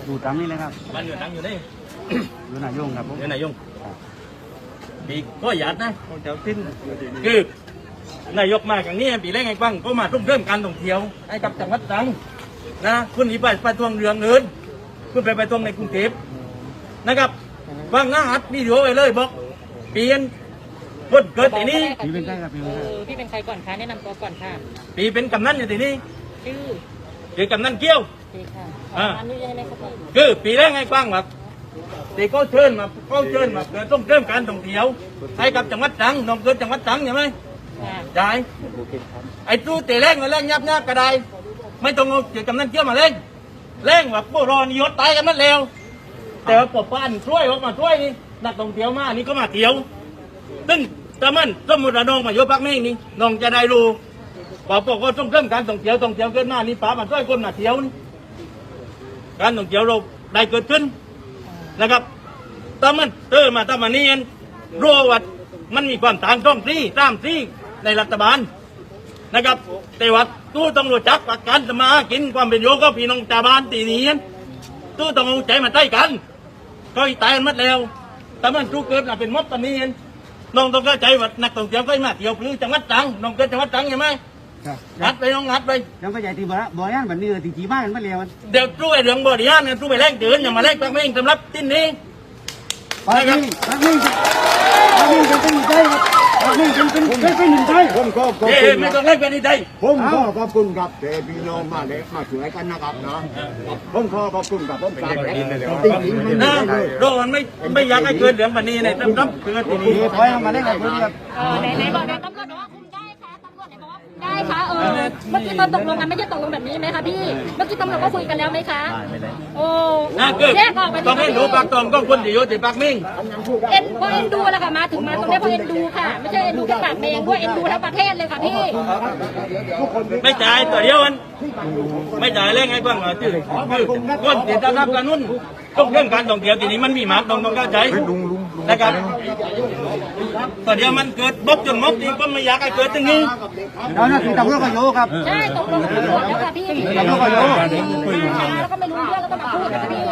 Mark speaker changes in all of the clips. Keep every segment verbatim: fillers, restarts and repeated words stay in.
Speaker 1: ดูตามนี้เลยครับ
Speaker 2: บ้านอยู่ตั้งอยู่นี่
Speaker 1: อยู่นายงครับผม
Speaker 2: อยู่นายงปีก็หยาดนะเจ้าทิ้นคือนายกมาอย่างนี้ปีแรกไงบ้างก็มาทุ่มเริ่มการท่องเที่ยวให้กับจังหวัดตรังนะคุณหนีไปไปทวงเรืองเงินคุณไปไปทวงในกรุงเทพนะครับฟังนะฮัดวิดีโอไปเลยบอกเปลี่ยนคนเกิดที่นี่
Speaker 1: พี่เป็นใครครับพี่เป็นใคร
Speaker 3: พี่เป็นใครก่อนคะแนะนำตัวก่อนค่ะ
Speaker 2: ปีเป็นกำนันอยู่ที่นี่
Speaker 3: ชื่อ
Speaker 2: คือกำนันเกี้ยว
Speaker 3: ดีค่ะอ่านี่ยังไงครับพี่
Speaker 2: คือปีแรกไงบ้างแบบตีก็เชิญมาก็เชิญมาเกิดต้องเริ่มการท่องเที่ยวให้กับจังหวัดตรังน้องเกิดจังหวัดตรังใช่ไหมใช่ไอ้ตู้ตีแรงมาแรงยับยับกระไดไม่ต้องเอาเกี่ยวกับนั่นเกี่ยวมาเล่นเล่นแบบโบราณยศตายกันนั่นเร็วแต่ว่าปอบป้านช่วยออกมาช่วยนี่นักท่องเที่ยวมานี่ก็มาเที่ยวซึ่งถ้ามันสมมติว่าน้องมาโยพักแม่งนี่น้องจะได้รู้ปอบก็ต้องเริ่มการท่องเที่ยวท่องเที่ยวเกิดมานี่ป้ามาช่วยคนมาเที่ยวนี่การท่องเที่ยวเราได้เกิดขึ้นนะครับถ้ามันเออมาถ้ามันนี่รู้ว่ามันมีความต่างช่องที่ตามที่ในรัฐบาลนะครับแต่ว่าตู้ต้องรู้จักประกันสมากินความเป็นโยก็พี่น้องชาวบ้านตีนี้ตู้ต้องเอาใจมาใต้กันก็ตายมัดแล้วแต่มันตู้เกิดมาเป็นมดตอนนี้น้องต้องเข้าใจว่านักท่องเที่ยวก็มาเที่ยวพลื้จังหวัดตรังน้องเกิดจังหวัดตรังใช่ไหมงัดไปน้องงัดไป
Speaker 1: ยังก็ใหญ่ตีบ่อบ่อย่านแบบนี้ตีจีบ้านมาเร็ว
Speaker 2: เดี๋ยวตู้ไอ้เรื่องบ่อดีอันตู้ไปแรงเดินอย่ามาแรงตั้งไม่เองสำหรับที่นี้
Speaker 1: ไปครับไปนี่ไปนี่จะเป็นใจไปนี่จะเป็นเป็นเป็นใจ
Speaker 4: ผมก็ขอบ
Speaker 2: คุ
Speaker 4: ณ
Speaker 2: ไม่ต้องเล่นเป็นใจ
Speaker 4: ผมก็ขอบคุณครับแต่พี่น้องมาเล็กมาช่วยกันนะครับเนาะผมขอขอบคุณครับผมกราบจริงๆไม่ได้
Speaker 2: เลยโรมันไม่ไม่อยากให้เกิดเรื่องแบบนี้เนี่ยต้องรับเกิดที่นี่
Speaker 1: ถอยมาเล่นอะไรเพื่อนครับ
Speaker 3: เออไหนไหนบอกเดี๋ยวตำรวจบอกว่าคุมได้ค่ะตำรวจไหนบอกว่าคุมได้ค่ะเออเมื่อกี้ตอนตกลงกันไม่ใช่ตกลงแบบนี้ไหมคะพี่เมื่อกี้ตำรวจก็คุยกันแล้วไหมคะโอ้แยกออกไป
Speaker 2: ต้องให้รู้ปากตองก็คนที่อยู่ที่ปากมิ่ง
Speaker 3: เอ็นเพราะเอ็นดูแหละค่ะมาถึงมาตรงนี้เพราะเอ็นดูค่ะไม่ใช่เอ็นดูแค่ปากเมงด้วยเอ็นดูทั้งประเทศเลยค่ะพี่
Speaker 2: ไม่จ่ายตัวเดียวมันไม่จ่ายแรงไงบ้างคือคือคนที่จะรับการนุ่นต้องเรื่องการท่องเที่ยวที่นี้มันมีหมากต้องต้องเข้าใจนะครับตัวเดียวมันเกิดบกจนมกจริงก็ไม่อยากให้เกิดตรงนี้
Speaker 1: แล้วนั่นคือตำรวจก็โยครับ
Speaker 3: ใช่ตกลงกันแล้วค่ะพี่
Speaker 1: ตำรวจก็โย
Speaker 3: แล้วก็ไม่รู้เรื่องก็ต้องมาพูดค่ะพี่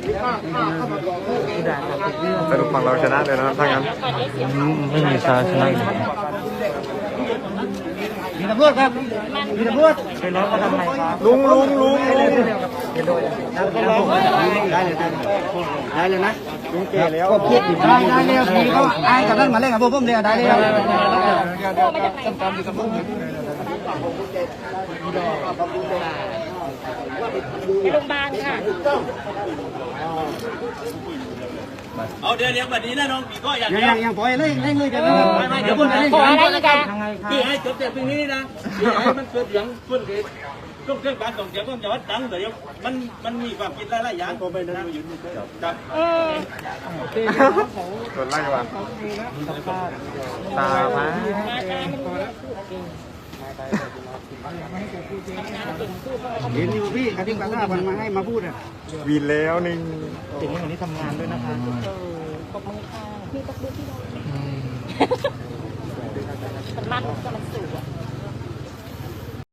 Speaker 5: สรุปฝั่งเราชนะเลยนะถ้างั้นไม่มีชาชนะ
Speaker 1: มีตำรวจครับมีตำรวจไปร้องมาทำไมครับ
Speaker 5: ลุงลุงลุง
Speaker 1: ได้เลยได้เลยนะ
Speaker 5: ลุงเก๋แล้ว
Speaker 1: ก็พูดได้ได้เลยพี่ก็ไอ้กับนั่นมาเล่นกับพวกผมเลยได้เลย
Speaker 3: ไปโรงพยาบาลค่ะ
Speaker 2: เอาเดี๋ยวเดี๋ยวแบบนี้นะน้องปีก็อย่าง
Speaker 1: ยังยังปล่อยเลยเล่นเลยกัน
Speaker 2: ไม่ไม่เดี๋ยวคนไหนขออะไรอีกอ่ะคือให้จบแต่ตรงนี้นะให้มันเกิดอย่างคนเด็กต้องเรื่องการส่งเสียงต้องจะวัดตังค์เดี๋ยวมันมันมีความคิดหลายๆอย่างผมไปนะยืนจับ
Speaker 3: เออ
Speaker 5: ส่วนไล่วันตามา
Speaker 1: เห็นอยู่พี่กระดิ่งกระซ่ามันมาให้มาพูดอ่ะ
Speaker 5: วีนแล้วนี่
Speaker 1: ถึงวันนี้ทำงานด้วยนะคะ
Speaker 3: ตบมือค่ะพี่ตบมือที่เรามันมันก็มันสูง